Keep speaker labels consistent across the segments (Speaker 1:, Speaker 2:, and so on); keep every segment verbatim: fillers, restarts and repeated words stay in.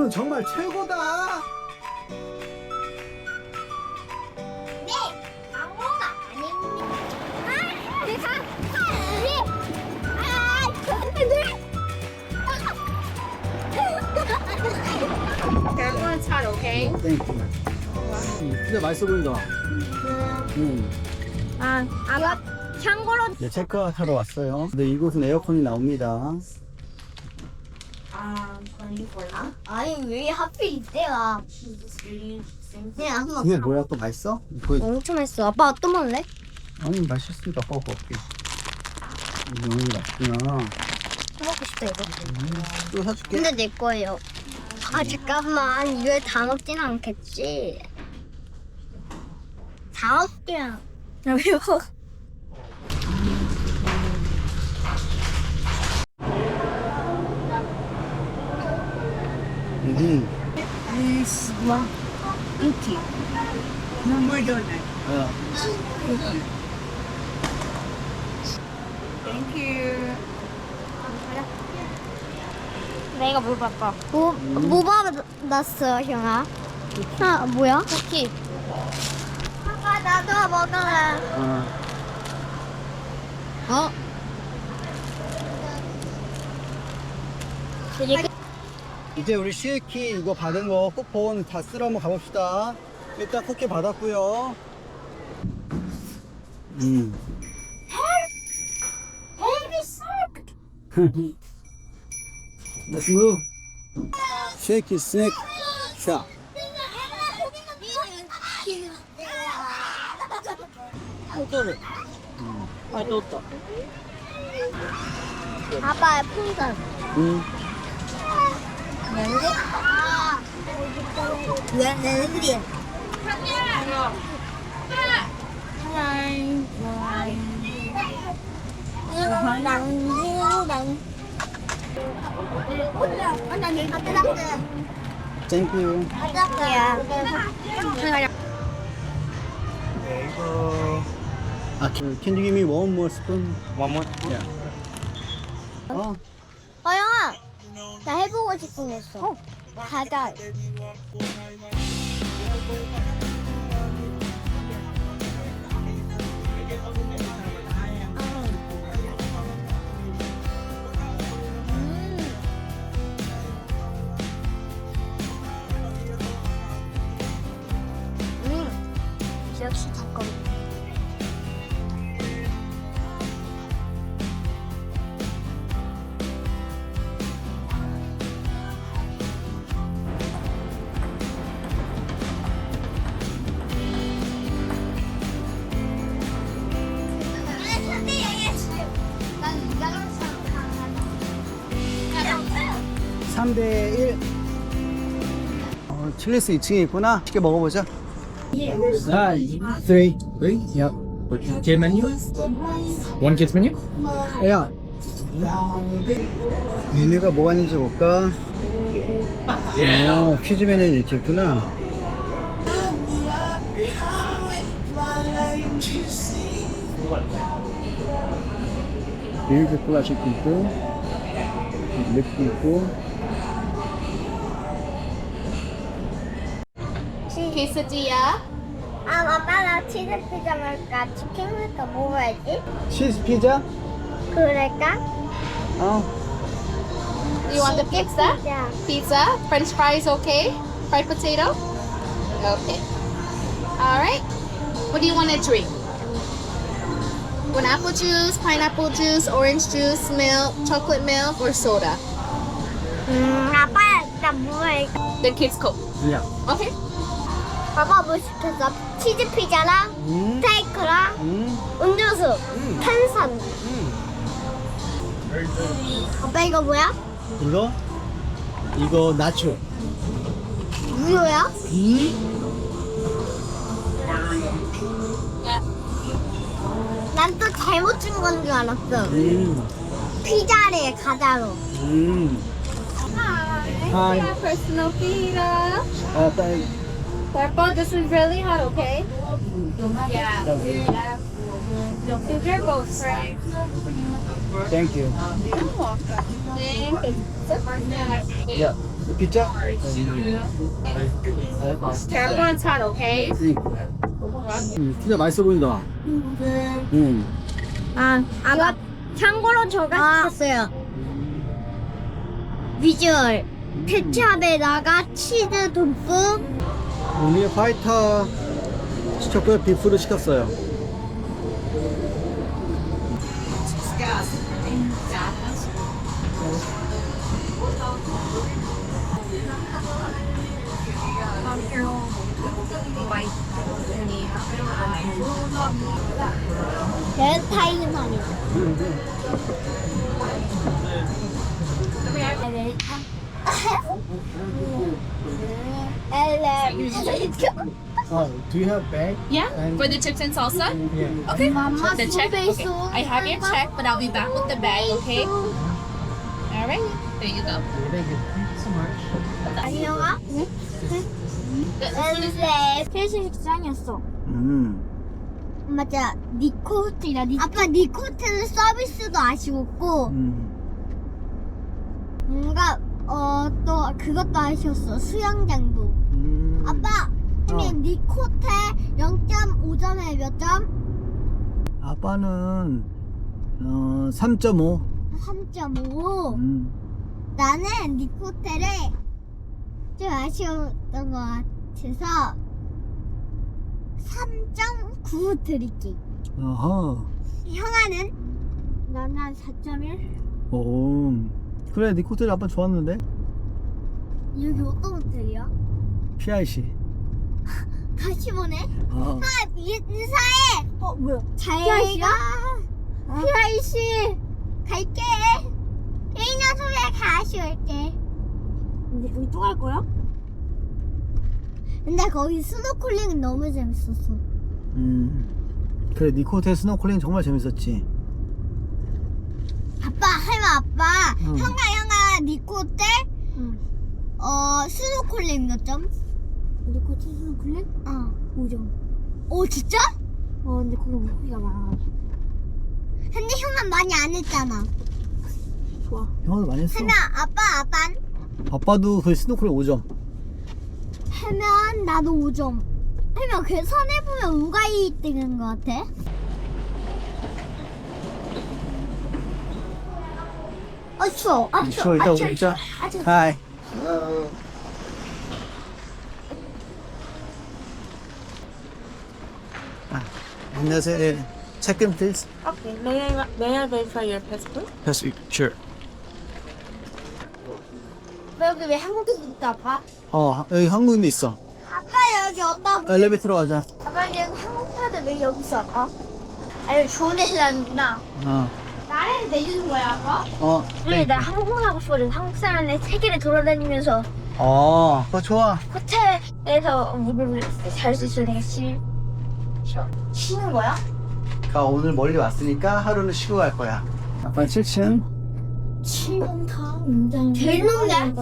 Speaker 1: 이거는 정말 최고다.
Speaker 2: 네, 광고가 아닙니다. 아, 내가 예. 아, 저한테
Speaker 3: Everyone's hot, okay?
Speaker 1: 땡큐. 음, 진짜 맛있어 보인다. 음.
Speaker 3: 아, 아까 참고로
Speaker 1: 네, 체크아웃하러 왔어요. 근데 이곳은 에어컨이 나옵니다.
Speaker 2: 아니 왜 하필 이때야? 그냥 한번
Speaker 1: 이게 뭐야? 또 맛있어? 보여.
Speaker 2: 엄청 맛있어. 아빠 또 먹을래?
Speaker 1: 아니 맛있으니까 아빠가 먹게. 이거 너무 맛있구나.
Speaker 2: 먹고 싶다 이거.
Speaker 1: 또 사줄게.
Speaker 2: 근데 내 거예요. 아 잠깐만 이걸 다 먹진 않겠지? 다 먹기야. 나 매워.
Speaker 1: 음.
Speaker 2: 와, 이렇게.
Speaker 1: 야.
Speaker 3: 내가 물 바꿔.
Speaker 2: 뭐, 뭐 받았어, 형아? 아, 뭐야?
Speaker 3: 쿠키.
Speaker 2: 아빠, 나도 먹을래.
Speaker 1: 어.
Speaker 2: 어? 되게
Speaker 1: 이제 우리 쉐이키 이거 받은 거 쿠폰 다 쓰러 한번 가봅시다. 일단 쿠키 받았고요. 음. Let's move. Shake it, snack, shop.
Speaker 2: 아빠의 풍선.
Speaker 1: 음.
Speaker 2: 렌즈? 왜 렌즈?
Speaker 1: Thank you. 아, can you give me one more spoon? One more? Yeah. 어,
Speaker 2: 어, 영아! 나 해보고 싶은 거 있어. 가자. 음. 역시 잠깐.
Speaker 1: 삼 대 일. 어, 칠리스 이 층에 있구나. 맛있게 먹어보자. 아, three.
Speaker 4: Three?
Speaker 1: Yep.
Speaker 4: Kid menu? One kid's menu?
Speaker 1: 야. 메뉴가 뭐가 있는지 볼까? 어, 퀴즈 메뉴 이렇게 있구나. 밀크 클래식도 있고, 립도 있고.
Speaker 3: quesadilla.
Speaker 2: 아, 아빠 나 치즈 피자 먹을까? 치킨 먹을까? 뭐 먹어야지?
Speaker 1: 치즈 피자?
Speaker 2: 그럴까?
Speaker 1: 어.
Speaker 3: You want the pizza?
Speaker 2: 피자.
Speaker 3: Pizza. French fries, okay? Fried potato? Okay. All right. What do you want to drink? Want apple juice, pineapple juice, orange juice, milk, chocolate milk, or soda?
Speaker 2: 음, 아빠 나 뭐 할까?
Speaker 3: Then kids Coke.
Speaker 1: 야.
Speaker 3: Okay.
Speaker 2: 아빠 뭐 시켰어? 치즈 피자랑
Speaker 1: 음.
Speaker 2: 스테이크랑
Speaker 1: 음.
Speaker 2: 음료수,
Speaker 1: 음.
Speaker 2: 탄산.
Speaker 1: 음.
Speaker 2: 아빠 이거 뭐야?
Speaker 1: 이거? 이거 나초.
Speaker 2: 우유야?
Speaker 1: 음.
Speaker 2: 난 또 잘못 준 건 줄 알았어.
Speaker 1: 음.
Speaker 2: 피자래 가자로.
Speaker 1: 음.
Speaker 3: Hi.
Speaker 1: Hi.
Speaker 3: Personal pizza.
Speaker 1: 아, 딸.
Speaker 3: Purple, this is really hot, okay? Yeah. Yeah. These are both right.
Speaker 1: Thank you.
Speaker 3: Thank you.
Speaker 1: Yeah. 피자?
Speaker 3: Tap on top, okay?
Speaker 1: 음, 피자 맛있어 보인다. 음.
Speaker 2: 아, 아까 참고로 저가 시켰어요. 비주얼 케찹에다가 치즈 듬뿍.
Speaker 1: 우리 화이트 시켰고요. 비프를 시켰어요.
Speaker 2: 벨타이만이.
Speaker 1: Oh, do you have bag?
Speaker 3: Yeah,
Speaker 1: And-
Speaker 3: for the chips and salsa.
Speaker 1: Yeah.
Speaker 3: Okay.
Speaker 2: Mama,
Speaker 3: The check.
Speaker 2: so
Speaker 3: Okay. I have your check, but I'll be back with the bag. Okay. All right. There you go.
Speaker 1: Thank you so much.
Speaker 2: 안녕아. 네. 회식 식장이었어.
Speaker 1: 음.
Speaker 2: 맞아. 니코트이라 니. 아빠 니코트는 서비스도 아쉬웠고
Speaker 1: 음.
Speaker 2: 뭔가 어 또 그것도 아쉬웠어. 수영장도.
Speaker 1: 음.
Speaker 2: 아빠. 근데
Speaker 1: 어.
Speaker 2: 니코테 영 점 오 점에 몇 점?
Speaker 1: 아빠는 어, 삼 점 오.
Speaker 2: 삼 점 오.
Speaker 1: 음.
Speaker 2: 나는 니코테를 좀 아쉬웠던 것 같아서 삼 점 구 드릴게.
Speaker 1: 어허.
Speaker 2: 형아는? 나는 한 사 점 일?
Speaker 1: 오. 그래, 네 코트를 아빠 좋았는데?
Speaker 2: 여기 어떤 호텔이야?
Speaker 1: 피아이씨.
Speaker 2: 같이 보네?
Speaker 1: 어.
Speaker 2: 아, 인사해! 어, 뭐야? 잘 가. 피아이씨 갈게. 개인아 소리에 다시 올게. 근데 우리 또 갈 거야? 근데 거기 스노클링은 너무 재밌었어.
Speaker 1: 음. 그래, 네 코트의 스노클링 정말 재밌었지.
Speaker 2: 아빠, 할마 아빠.
Speaker 1: 응.
Speaker 2: 형아, 형아, 니코테? 응. 어, 스노클링 몇 점? 니코테 스노클링? 어. 오 점. 오, 진짜? 어, 근데 거기 물고기가 많아가지고. 근데 형아 많이 안 했잖아. 좋아.
Speaker 1: 형아도 많이 했어.
Speaker 2: 할마, 아빠, 아빠는?
Speaker 1: 아빠도 그 스노클링 오 점.
Speaker 2: 하면 나도 오 점. 하면 계산해보면 누가 이 등인 것 같아? 아 추워. 아
Speaker 1: 추워,
Speaker 2: 추워.
Speaker 1: 이따
Speaker 2: 아 추워.
Speaker 1: 먹자.
Speaker 2: 아 추워.
Speaker 1: 하이. 아, 안녕하세요. 네. Check in, please.
Speaker 5: Okay, may I may I verify your passport?
Speaker 1: Yes, sure.
Speaker 2: 아빠 여기 왜 한국인 있다 아빠?
Speaker 1: 어, 여기 한국인도 있어.
Speaker 2: 아빠 여기 어디다?
Speaker 1: 엘리베이터로 가자.
Speaker 2: 아빠 여기 한국 사람들 왜 여기 있어 아빠? 아 여기 좋은 데서 사는구나.
Speaker 1: 어,
Speaker 2: 나를 내주는 거야 아빠?
Speaker 1: 어.
Speaker 2: 왜 나 한국말 하고 싶거든. 한국 사람들 세계를 돌아다니면서
Speaker 1: 어, 그거 좋아.
Speaker 2: 호텔에서 물을 잘 수 있어. 내가 쉬 쉬어. 쉬는 거야?
Speaker 1: 가 오늘 멀리 왔으니까 하루는 쉬고 갈 거야. 아빠 칠 층.
Speaker 2: 칠봉탕 굉장히 제일 높네.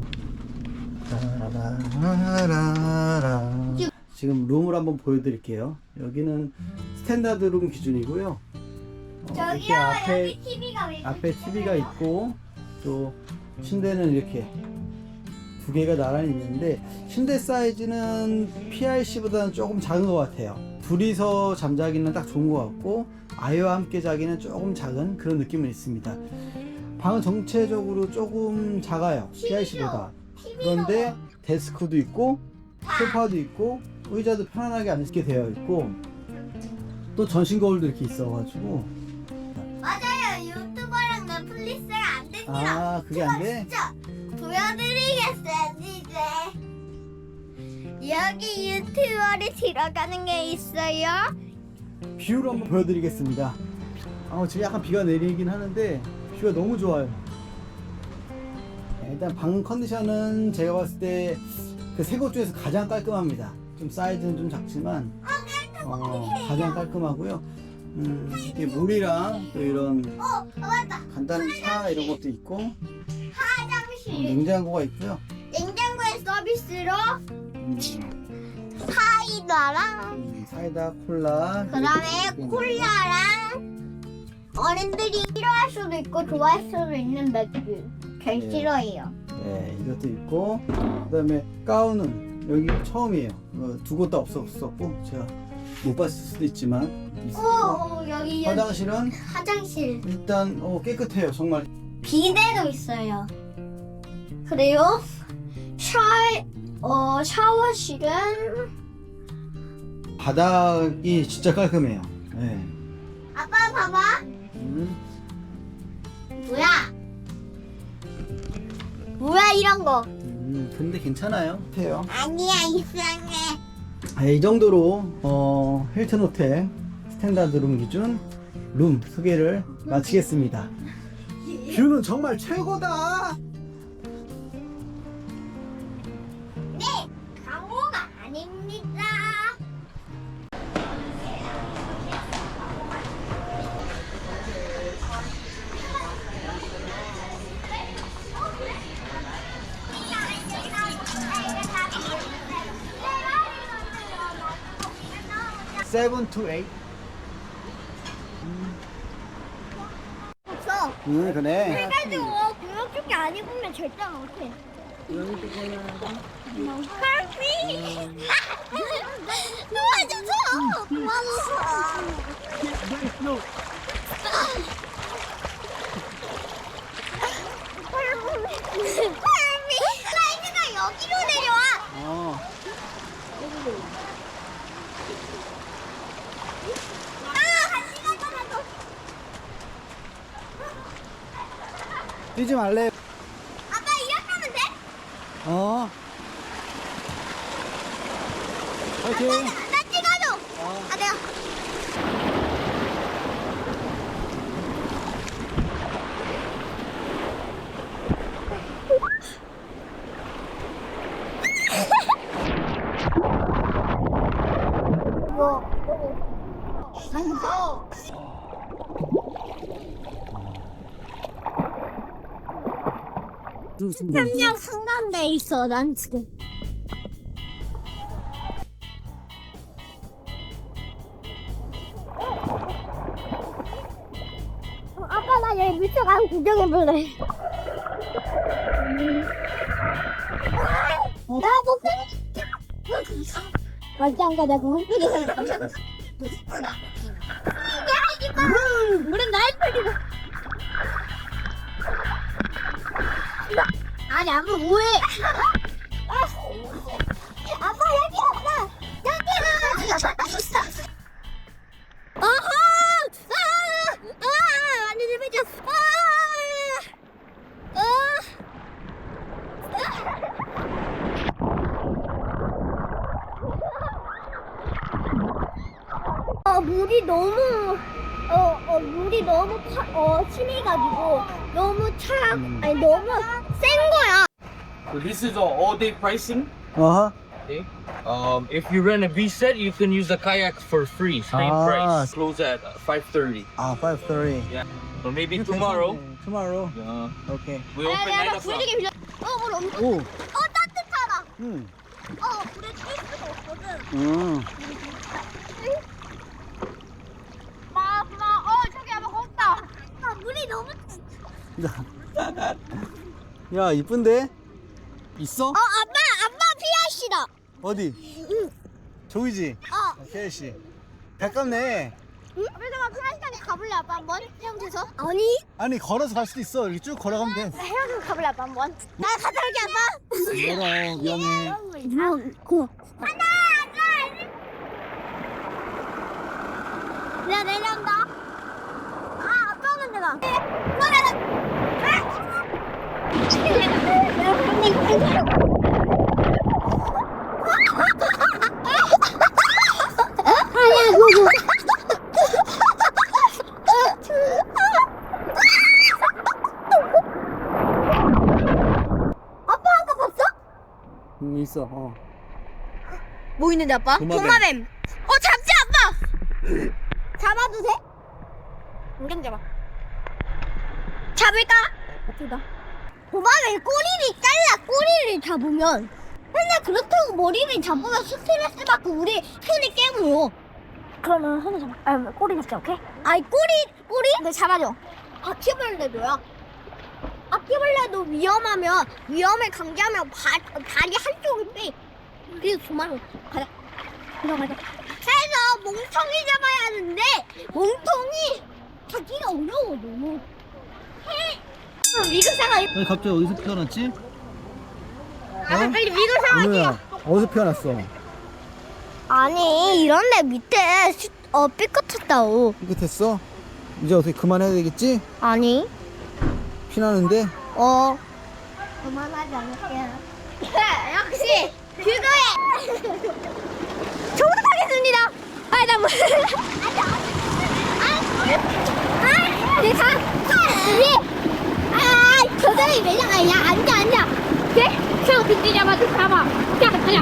Speaker 1: 지금 룸을 한번 보여드릴게요. 여기는 스탠다드 룸 기준이고요. 어, 이렇게
Speaker 2: 저기요
Speaker 1: 앞에
Speaker 2: 여기 티비가 왜
Speaker 1: 앞에 티비가 있고 또 침대는 이렇게 두 개가 나란히 있는데 침대 사이즈는 피아이씨보다는 조금 작은 것 같아요. 둘이서 잠자기는 딱 좋은 것 같고 아이와 함께 자기는 조금 작은 그런 느낌은 있습니다. 방은 전체적으로 조금 작아요. 피아이씨보다. 그런데 데스크도 있고 소파도 있고 의자도 편안하게 앉게 되어 있고 또 전신 거울도 이렇게 있어가지고.
Speaker 2: 맞아요. 유튜버랑 넷플릭스가 안 됩니다.
Speaker 1: 아, 그게 안 돼?
Speaker 2: 진짜 보여드리겠어요 이제. 여기 유튜버를 들어가는 게 있어요.
Speaker 1: 뷰를 한번 보여드리겠습니다. 아, 지금 약간 비가 내리긴 하는데 뷰가 너무 좋아요. 일단 방 컨디션은 제가 봤을 때 그 세 곳 중에서 가장 깔끔합니다. 좀 사이즈는 좀 작지만 어, 가장 깔끔하고요. 음, 이게 물이랑 또 이런
Speaker 2: 어, 맞다.
Speaker 1: 간단한 차 이런 것도 있고 어,
Speaker 2: 화장실.
Speaker 1: 냉장고가 있고요.
Speaker 2: 냉장고에 서비스로
Speaker 1: 음,
Speaker 2: 사이다랑
Speaker 1: 음, 사이다, 콜라,
Speaker 2: 그다음에
Speaker 1: 그리고
Speaker 2: 콜라랑 어른들이 싫어할 수도 있고 좋아할 수도 있는 맥주. 제일
Speaker 1: 네.
Speaker 2: 싫어해요.
Speaker 1: 네. 예, 이것도 있고 그다음에 가운은 여기 처음이에요. 어, 두 곳 다 없었었고 제가 못 봤을 수도 있지만 있었고
Speaker 2: 오, 여기 여기
Speaker 1: 화장실은
Speaker 2: 화장실.
Speaker 1: 일단 어, 깨끗해요 정말.
Speaker 2: 비데도 있어요. 그리고 샤, 어, 샤워실은
Speaker 1: 바닥이 진짜 깔끔해요. 예.
Speaker 2: 아빠 봐봐.
Speaker 1: 음.
Speaker 2: 뭐야? 뭐야 이런 거?
Speaker 1: 음, 근데 괜찮아요. 해요.
Speaker 2: 아니야 이상해.
Speaker 1: 아, 이 정도로 어, 힐튼 호텔 스탠다드 룸 기준 룸 소개를 마치겠습니다. 뷰는 정말 최고다.
Speaker 2: 네, 강호가 아닙니다.
Speaker 1: 세븐 투 에잇.
Speaker 2: 없어.
Speaker 1: 응 그래.
Speaker 2: 해가지고 그런 쪽이 아니면 절대 못해. 커피. 도와줘서. 도와줘서. 커피. 사이즈가 여기로 내려와.
Speaker 1: 어.
Speaker 2: 아, 한 시간 동안도.
Speaker 1: 뛰지 말래.
Speaker 2: 아빠 이렇게 하면 돼?
Speaker 1: 어. 파이팅.
Speaker 2: 나 찍어줘. 아, 내가. 삼양 상담대에 있어, 난 지금. 어, 아빠 나 여기 밑에 가서 구경해볼래. 나 목소리 맞지 안 가자고. 하지 마. 물은 날 뿌리고. 아니 아빠 뭐해? 아빠 여기 없어. 여기. 어허! 아! 아! 완전 재밌었어. 아! 어 물이 너무 어, 어 물이 너무 차, 어 심해가지고 너무 차 아니 너무 센 거야.
Speaker 4: So this is all, all day pricing.
Speaker 1: 어허.
Speaker 4: Okay. Um, if you rent a beach set, you can use the kayaks for free. Same
Speaker 1: Ah.
Speaker 4: price. Close at five thirty.
Speaker 1: 아, five thirty.
Speaker 4: Yeah. So maybe tomorrow.
Speaker 1: Tomorrow.
Speaker 4: Yeah.
Speaker 1: 오케이.
Speaker 4: We open nine o'clock.
Speaker 2: 빌려. 어물 엄청.
Speaker 1: 오.
Speaker 2: 어 따뜻하다.
Speaker 1: 응.
Speaker 2: 어 물에 뛸 수가 없거든.
Speaker 1: 응.
Speaker 2: 마, 마, 어 저기 아마 걷다. 아 물이 너무.
Speaker 1: 야, 이쁜데? 있어?
Speaker 2: 어 아빠 아빠 피아시다.
Speaker 1: 어디?
Speaker 2: 응.
Speaker 1: 저기지?
Speaker 2: 어.
Speaker 1: 케이 씨. 가깝네.
Speaker 2: 응? 그래서 피아시까지 가볼래 아빠 한번 헤엄쳐서? 아니.
Speaker 1: 아니, 걸어서 갈 수도 있어. 이렇게 쭉 걸어가면 돼.
Speaker 2: 헤엄쳐서 가볼래 아빠 한번? 나 갔다 올게 아빠.
Speaker 1: 멀어, 위험해.
Speaker 2: 뭐, 고. 하나, 둘. 내가 내려온다. 아, 아빠 먼저 가. 아니야, 그거. 아빠 아까 봤어?
Speaker 1: 응, 있어. 어.
Speaker 2: 뭐 있는데 아빠?
Speaker 1: 도마뱀.
Speaker 2: 도마뱀. 어 잡지 아빠. 잡아도 돼? 안경 잡아. 잡을까? 어떻다. 도마뱀 꼬리를 잘라. 꼬리를 잡으면. 근데 그렇다고 머리를 잡으면 스트레스 받고 우리 손이 깨물어. 그러면 손을 잡아. 아 꼬리 잡자 오케이? 아이 꼬리 꼬리? 네 잡아줘. 바퀴벌레도야. 아빠 바퀴벌레도 위험하면 위험에 강제하면 바, 다리 한쪽을 빼. 그래서 도망을 가자. 들어가자. 그래서 몽통이 잡아야 하는데 몽통이 잡기가 어려워 너무. 해. 미국 상황.
Speaker 1: 왜 갑자기 어디서 피어났지?
Speaker 2: 아 빨리 미국 상황이야.
Speaker 1: 은우야 어디서 피어났어?
Speaker 2: 아니 이런데 밑에 수, 어 삐끗했다고.
Speaker 1: 삐끗했어? 이제 어떻게 그만해야 되겠지?
Speaker 2: 아니.
Speaker 1: 피나는데?
Speaker 2: 어. 그만하지 않을게요. 역시 그거에 정답하겠습니다. 아, 나 뭐? 아, 내 가. 예. 아, 저들이 매장 아니야. 앉아, 앉아. 오케이? 그냥 빈대 잡아, 좀 잡아. 자, 가자.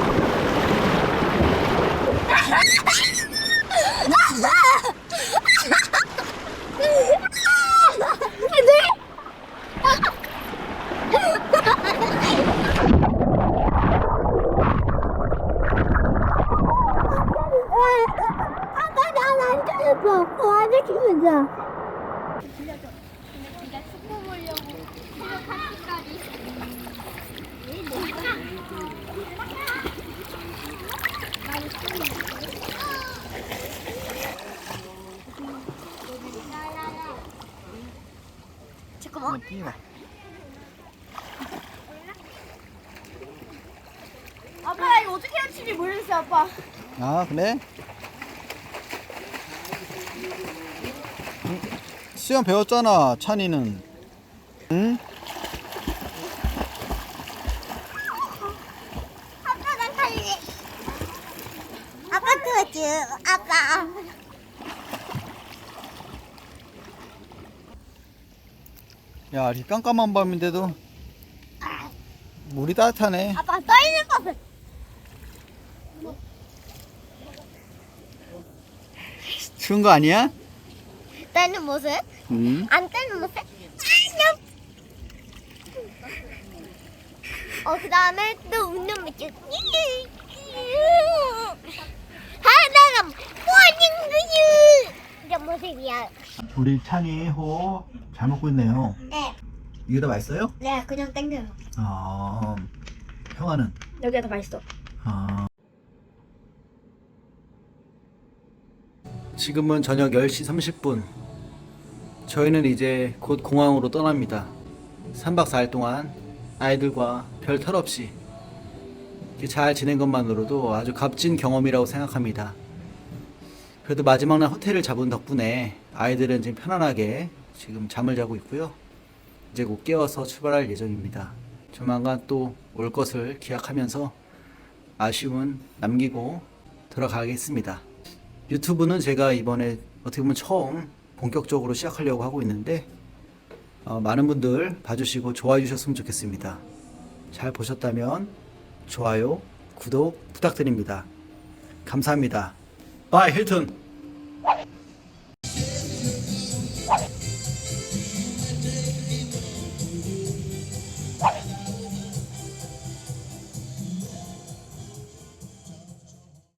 Speaker 2: 아빠 난안 들렸어. 아직 기분자. 네가 축구 보려고 새벽 한 시까지. 잠깐만. 아빠 나 이거 어떻게 해야 할지 모르겠어 아빠.
Speaker 1: 아 그래? 응? 수영 배웠잖아 찬이는. 응?
Speaker 2: 아빠 난 갈래. 아빠 그거지. 아빠.
Speaker 1: 야 이렇게 깜깜한 밤인데도 물이 따뜻하네.
Speaker 2: 아빠 떨리는 것을.
Speaker 1: 추운 거 아니야?
Speaker 2: 떼는 모습?
Speaker 1: 응.
Speaker 2: 안 떼는 모습? 어, 그 다음에 또 웃는 모습. 하다가 모닝 그유 이런 모습이야.
Speaker 1: 우리 찬이 호 잘 먹고 있네요.
Speaker 2: 네.
Speaker 1: 이게 더 맛있어요?
Speaker 2: 네, 그냥 땡겨요.
Speaker 1: 아 형아는?
Speaker 5: 여기가 더 맛있어.
Speaker 1: 아. 지금은 저녁 열 시 삼십 분. 저희는 이제 곧 공항으로 떠납니다. 삼 박 사 일 동안 아이들과 별 탈 없이 이렇게 잘 지낸 것만으로도 아주 값진 경험이라고 생각합니다. 그래도 마지막 날 호텔을 잡은 덕분에 아이들은 지금 편안하게 지금 잠을 자고 있고요. 이제 곧 깨워서 출발할 예정입니다. 조만간 또 올 것을 기약하면서 아쉬움은 남기고 들어가겠습니다. 유튜브는 제가 이번에 어떻게 보면 처음 본격적으로 시작하려고 하고 있는데 어, 많은 분들 봐주시고 좋아해 주셨으면 좋겠습니다. 잘 보셨다면 좋아요, 구독 부탁드립니다. 감사합니다. 바이 힐튼.